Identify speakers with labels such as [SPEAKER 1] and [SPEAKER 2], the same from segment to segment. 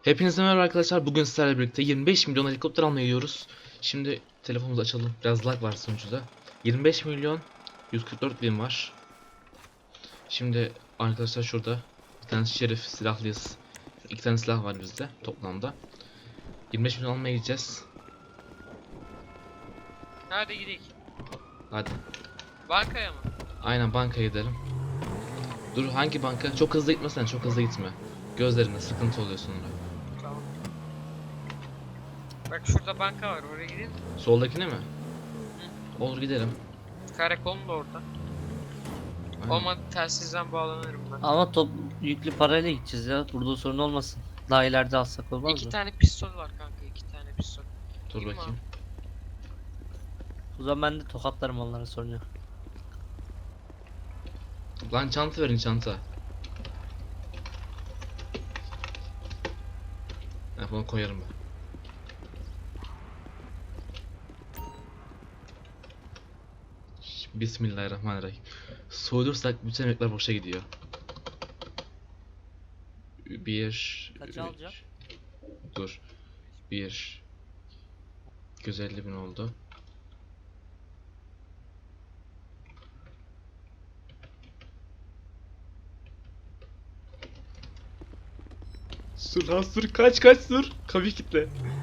[SPEAKER 1] Hepinize merhaba arkadaşlar. Bugün sizlerle birlikte 25 milyon helikopter almaya gidiyoruz. Şimdi telefonumuzu açalım. Biraz lag var sonuçta. 25 milyon 144 bin var. Şimdi arkadaşlar şurada bir tane şerif silahlıyız. İki tane silah var bizde toplamda. 25 milyon almaya gideceğiz.
[SPEAKER 2] Nerede gidelim?
[SPEAKER 1] Hadi.
[SPEAKER 2] Bankaya mı?
[SPEAKER 1] Aynen bankaya gidelim. Dur, hangi banka? Çok hızlı gitmesen, çok hızlı gitme. Gözlerinde sıkıntı oluyor sonra.
[SPEAKER 2] Tamam. Bak şurada banka var, oraya gidelim.
[SPEAKER 1] Soldakine mi? Olur, gidelim.
[SPEAKER 2] Karakolun da orada.
[SPEAKER 1] Aynen.
[SPEAKER 2] Olmadı telsizden bağlanırım ben.
[SPEAKER 3] Ama top yüklü parayla gideceğiz ya. Burada sorun olmasın. Daha ileride alsak olmaz
[SPEAKER 2] İki
[SPEAKER 3] mı?
[SPEAKER 2] tane pistol var kanka, iki tane pistol.
[SPEAKER 1] Dur
[SPEAKER 2] Kim
[SPEAKER 1] bakayım.
[SPEAKER 3] O zaman ben de tokatlarım onlara sorun yok.
[SPEAKER 1] Lan çanta verin, çanta. Bunu koyarım ben. Bismillahirrahmanirrahim. Soyulursak bütün emekler boşa gidiyor.
[SPEAKER 3] Kaça alacağım?
[SPEAKER 1] Dur. 250 bin oldu. Sür lan, sür, kaç sür. Kapıyı kitle.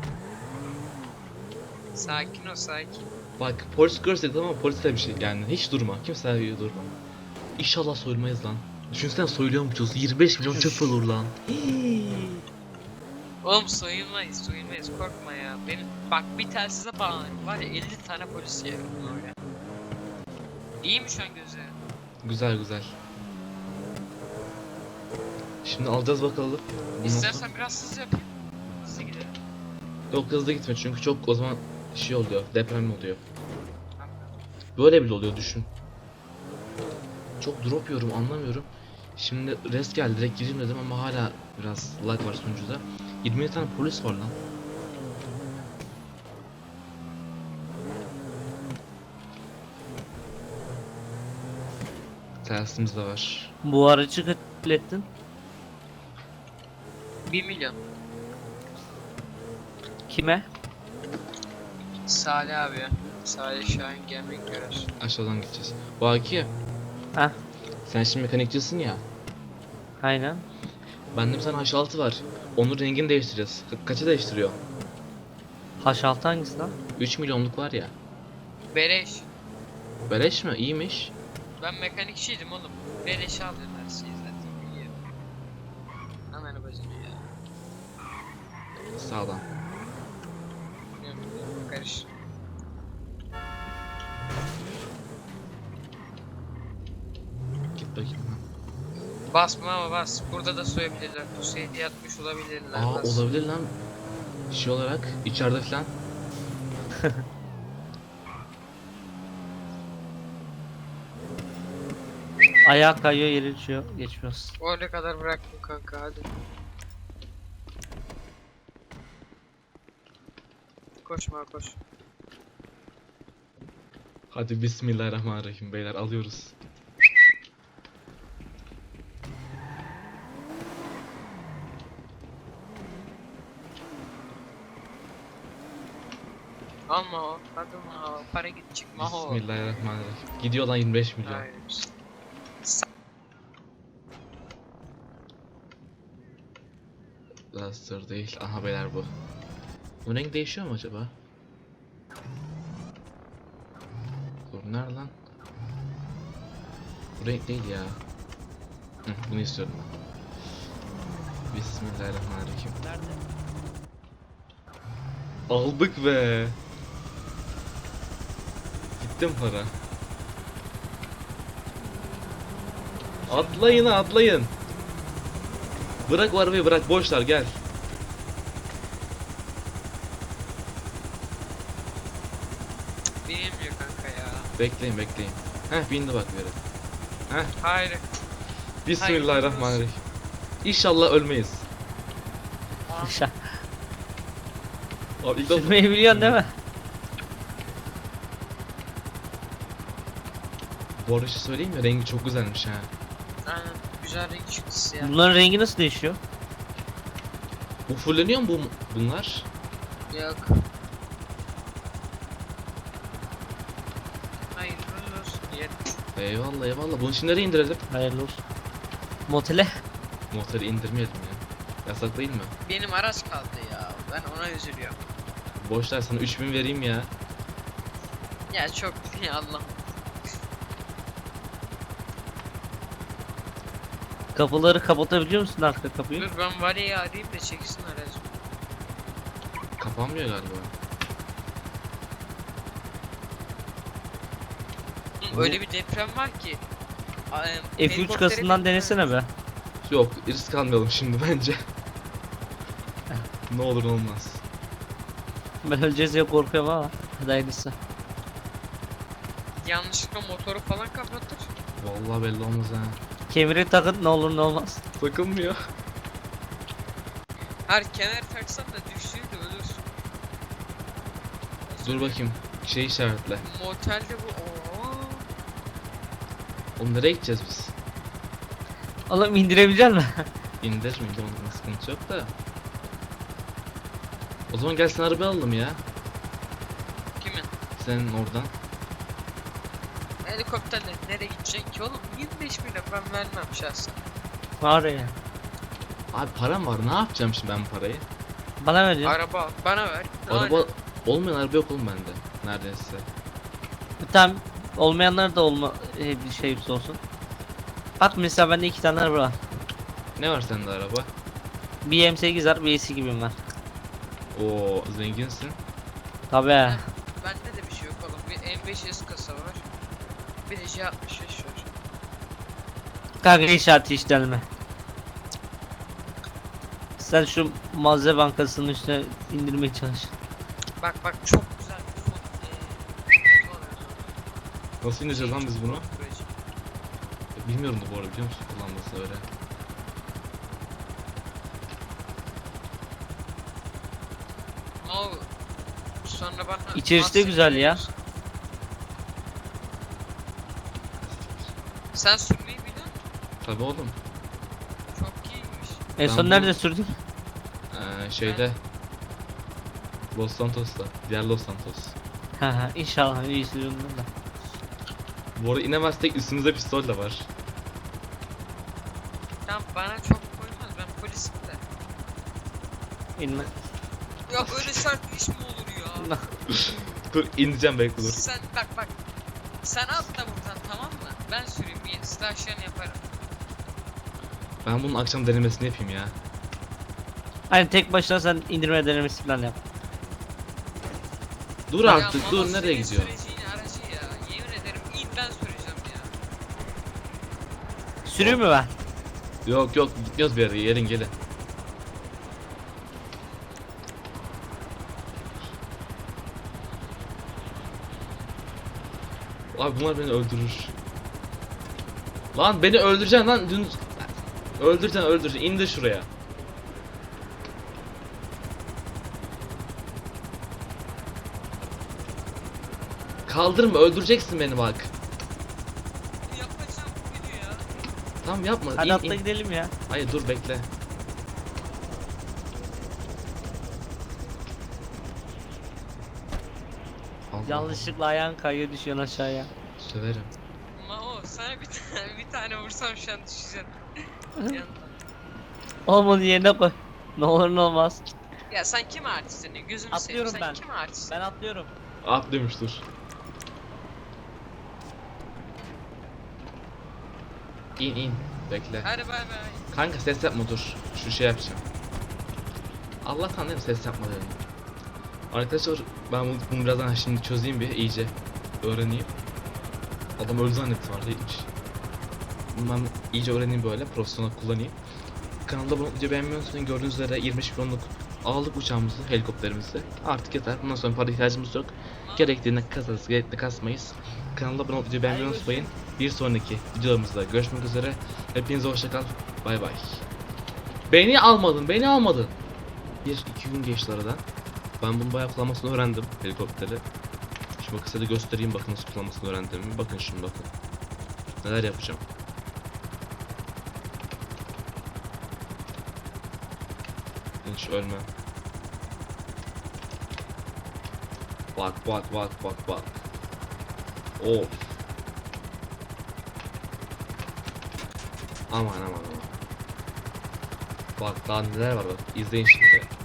[SPEAKER 2] Sakin ol, sakin.
[SPEAKER 1] Bak, polis görsek tamam mı? Polis de bir şey yani, hiç durma. Kimse gibi durma. İnşallah soyulmayız lan. Düşünsene soyuluyormuşuz. 25 milyon çöp olur lan.
[SPEAKER 2] Oğlum soyulmayız, korkma ya. Benim bak bir telsize bağlanırım var ya, 50 tane polis yerim oraya. İyi mi şu an gözü?
[SPEAKER 1] Güzel. Şimdi alacağız bakalım. Bundan
[SPEAKER 2] İstersen
[SPEAKER 1] sonra-
[SPEAKER 2] biraz hızlı yapayım. Hızlı gidelim.
[SPEAKER 1] Yok, hızlı gitme çünkü çok o zaman şey oluyor, deprem oluyor. Böyle bile oluyor, düşün. Çok drop yiyorum, anlamıyorum. Şimdi rest geldi, direkt gireyim dedim ama hala biraz lag var sunucuda. 20 tane polis var lan. Telsizimiz de var.
[SPEAKER 3] Bu aracı kaç ettin?
[SPEAKER 2] 1 milyon.
[SPEAKER 3] Kime?
[SPEAKER 2] Salih abi ya. Salih Şahin gelmek görür.
[SPEAKER 1] Aşağıdan gideceğiz. Baki,
[SPEAKER 3] Heh,
[SPEAKER 1] sen şimdi mekanikçisin ya.
[SPEAKER 3] aynen.
[SPEAKER 1] Bende bir tane H6 var. Onun rengini değiştireceğiz. Kaça değiştiriyor?
[SPEAKER 3] H6 hangisi lan?
[SPEAKER 1] 3 milyonluk var ya.
[SPEAKER 2] Beleş.
[SPEAKER 1] Beleş mi? İyiymiş.
[SPEAKER 2] Ben mekanikçiydim oğlum. Beleş aldım her şeyi zaten. İyi. Hemen bacını ya.
[SPEAKER 1] Sağdan.
[SPEAKER 2] Biliyorum, karış.
[SPEAKER 1] Git bakayım.
[SPEAKER 2] Basma ama bas. Burada da soyabilirler. Pusuya yatmış olabilirler.
[SPEAKER 1] Aa,
[SPEAKER 2] Bas.
[SPEAKER 1] olabilir lan. Şey olarak içeride falan.
[SPEAKER 3] Ayağa kayıyor yere düşüyor. Geçmiyoruz.
[SPEAKER 2] Oraya kadar bıraktım kanka, hadi. Koşma koş.
[SPEAKER 1] Hadi bismillahirrahmanirrahim beyler, alıyoruz.
[SPEAKER 2] Alma o. Hadi o. Para git çıkma o.
[SPEAKER 1] Bismillahirrahmanirrahim. Gidiyor lan 25 milyon.
[SPEAKER 2] Hayır.
[SPEAKER 1] Laster değil. Aha beyler bu. Bu renk değişiyor mu acaba? Dur, nerede lan? Bu renk değil ya. Hı, bunu istiyorum ben. Bismillahirrahmanirrahim.
[SPEAKER 3] Nerede?
[SPEAKER 1] Aldık be. Gittim para. Atlayın, atlayın. Bırak o arabayı, bırak, boşlar, gel.
[SPEAKER 2] Bilmiyor kanka ya.
[SPEAKER 1] Bekleyin. Heh, bindi bak bir yere. Heh,
[SPEAKER 2] Hayır.
[SPEAKER 1] bismillahirrahmanirrahim. İnşallah ölmeyiz. Abi ilk defa
[SPEAKER 3] Sürmeyi biliyorsun değil mi?
[SPEAKER 1] bu arada şey söyleyeyim mi? Rengi çok güzelmiş ha.
[SPEAKER 2] Aynen. Güzel renk çıktısı ya.
[SPEAKER 3] Bunların rengi nasıl değişiyor?
[SPEAKER 1] Bu fulleniyor mu bunlar?
[SPEAKER 2] Yok. Hayırlı olsun diyelim.
[SPEAKER 1] Eyvallah eyvallah. Bunu şimdi nereye indirelim?
[SPEAKER 3] Hayırlı olsun. Motele.
[SPEAKER 1] Motoru indirmeyelim ya. Yasak değil mi?
[SPEAKER 2] Benim araç kaldı ya. Ben ona üzülüyorum.
[SPEAKER 1] Boşlar sana 3000 vereyim ya.
[SPEAKER 2] Ya çok ya Allah.
[SPEAKER 3] Kapıları kapatabiliyor musun arka kapıyı?
[SPEAKER 2] Dur ben Vali'yi arayayım da çeksin aracı.
[SPEAKER 1] Kapanmıyor galiba. Bu-
[SPEAKER 2] Öyle bir deprem var ki.
[SPEAKER 3] F3 kasından denesene be.
[SPEAKER 1] Yok risk almayalım şimdi bence. Ne olur ne olmaz.
[SPEAKER 3] Ben öleceğiz diye korkuyorum ama. Hadi hayırlısı.
[SPEAKER 2] Yanlışlıkla motoru falan kapatır.
[SPEAKER 1] Vallahi belli olmaz ha.
[SPEAKER 3] Kemeri takın ne olur ne olmaz.
[SPEAKER 1] Takılmıyor.
[SPEAKER 2] Her kenar taksan da düştüğünde ölürsün.
[SPEAKER 1] Dur bakayım. Şey işaretle.
[SPEAKER 2] Motelde bu. Oo.
[SPEAKER 1] Oğlum nereye gideceğiz biz?
[SPEAKER 3] Oğlum indirebilecek misin?
[SPEAKER 1] İndir mi? Ondan sıkıntı yok da. O zaman gel sen araba alalım ya.
[SPEAKER 2] Kimin?
[SPEAKER 1] Senin oradan.
[SPEAKER 2] Helikopterle nereye gidecek ki oğlum? 25 milyon ben vermem şahsen.
[SPEAKER 3] Var ya.
[SPEAKER 1] Abi param var. Ne yapacağım şimdi ben parayı?
[SPEAKER 3] Bana vereceksin.
[SPEAKER 2] Araba al, bana ver.
[SPEAKER 1] Araba olmayan araba yok oğlum bende. Neredeyse.
[SPEAKER 3] Tamam. Olmayanlar da bir şey olsun. Bak mesela bende 2 tane araba var.
[SPEAKER 1] Ne var sende araba?
[SPEAKER 3] Bir M8 var, bir AC gibim var.
[SPEAKER 1] Oo zenginsin.
[SPEAKER 3] Tabii.
[SPEAKER 2] Bende de bir şey yok oğlum. Bir M5S kasa var. Bir de J65 var.
[SPEAKER 3] Kanka inşaat işlenme. Sen şu malzeme bankasının üstüne indirmeye çalış.
[SPEAKER 2] Bak bak çok güzel bir fon.
[SPEAKER 1] Nasıl ineceğiz lan biz bunu? Bilmiyorum da bu arada biliyor musun kullanması öyle.
[SPEAKER 2] No. Sonra bana
[SPEAKER 3] İçerisi de
[SPEAKER 2] Mars'a
[SPEAKER 3] güzel ya.
[SPEAKER 2] gidiyoruz. Sen sürmeyi biliyor musun?
[SPEAKER 1] Tabii oğlum.
[SPEAKER 2] Çok iyiymiş.
[SPEAKER 3] En
[SPEAKER 1] Ben
[SPEAKER 3] son
[SPEAKER 1] bu-
[SPEAKER 3] nerede sürdün?
[SPEAKER 1] Şeyde. Los Santos'ta. Diğer Los Santos.
[SPEAKER 3] Ha inşallah iyi sürüyordur da.
[SPEAKER 1] Bu arada inemezsek üstümüzde pistol de var.
[SPEAKER 2] Tamam bana çok koymaz ben polisim de.
[SPEAKER 3] İnme.
[SPEAKER 2] Ya böyle sert bir iş mi olur ya?
[SPEAKER 1] Dur ineceğim bekle dur.
[SPEAKER 2] Sen bak. Sen atla buradan tamam mı? Ben süreyim bir stajyen yaparım.
[SPEAKER 1] Ben bunun akşam denemesini yapayım ya.
[SPEAKER 3] Hani tek başına sen indirme denemesi falan yap.
[SPEAKER 1] Dur
[SPEAKER 2] Ya
[SPEAKER 1] artık
[SPEAKER 2] Mama
[SPEAKER 1] dur nereye
[SPEAKER 2] senin
[SPEAKER 1] gidiyor?
[SPEAKER 2] süreceğin aracı ya. Yemin ederim ilk ben süreceğim ya.
[SPEAKER 3] Sürüyor mu ben?
[SPEAKER 1] Yok yok gitmiyoruz bir yere gelin gelin. Abi bunlar beni öldürür. Lan beni öldüreceksin lan dün öldüreceksin indir şuraya. Kaldırma öldüreceksin beni bak.
[SPEAKER 2] Yapacağım bu video ya.
[SPEAKER 1] Tamam yapma
[SPEAKER 3] Hadi
[SPEAKER 1] in,
[SPEAKER 3] atla
[SPEAKER 1] in.
[SPEAKER 3] gidelim ya.
[SPEAKER 1] Hayır dur bekle. Allah
[SPEAKER 3] Yanlışlıkla ayağın kayıyor düşüyorsun aşağıya.
[SPEAKER 1] Allah, söverim.
[SPEAKER 2] Mao sana bir tane vursam şu an düşeceksin. Yandan.
[SPEAKER 3] Oğlum onu yerine koy. Ne olur ne olmaz.
[SPEAKER 2] Ya sen kim artistsin? Gözümü
[SPEAKER 3] Atlıyorum
[SPEAKER 2] seveyim.
[SPEAKER 3] ben.
[SPEAKER 2] Sen kim artistsin?
[SPEAKER 3] Ben atlıyorum.
[SPEAKER 1] Atlıyormuş dur. İn bekle.
[SPEAKER 2] Hadi bay bay.
[SPEAKER 1] Kanka ses yapma dur. Şu şey yapacağım. Allah'tan değil mi ses yapma dedim. Arkadaşlar ben bunu birazdan şimdi çözeyim bir iyice. Öğreneyim. Adam öldü zannettim var değilmiş. Bunu ben iyice öğreneyim böyle profesyonel kullanayım. Kanalda bunu video beğenmeyi unutmayın. Gördüğünüz üzere 25 milyonluk aldık uçağımızı, helikopterimizi. Artık yeter. Bundan sonra para ihtiyacımız yok. Gerektiğinde kasarız, gerektiğinde kasmayız. Kanalda abone olup videoyu beğenmeyi unutmayın. Bir sonraki videolarımızda görüşmek üzere. Hepinize hoşçakal. Bay bay. Beni almadın. 1-2 gün geçti aradan. Ben bunu bayağı kullanmasını öğrendim helikopteri. Şimdi bakın size de göstereyim bakın nasıl kullanmasını öğrendiğimi. Bakın şimdi bakın. Neler yapacağım. Hiç ölme. Bak bak bak bak bak. Of. Aman aman aman. Bak daha neler var bak. İzleyin şimdi.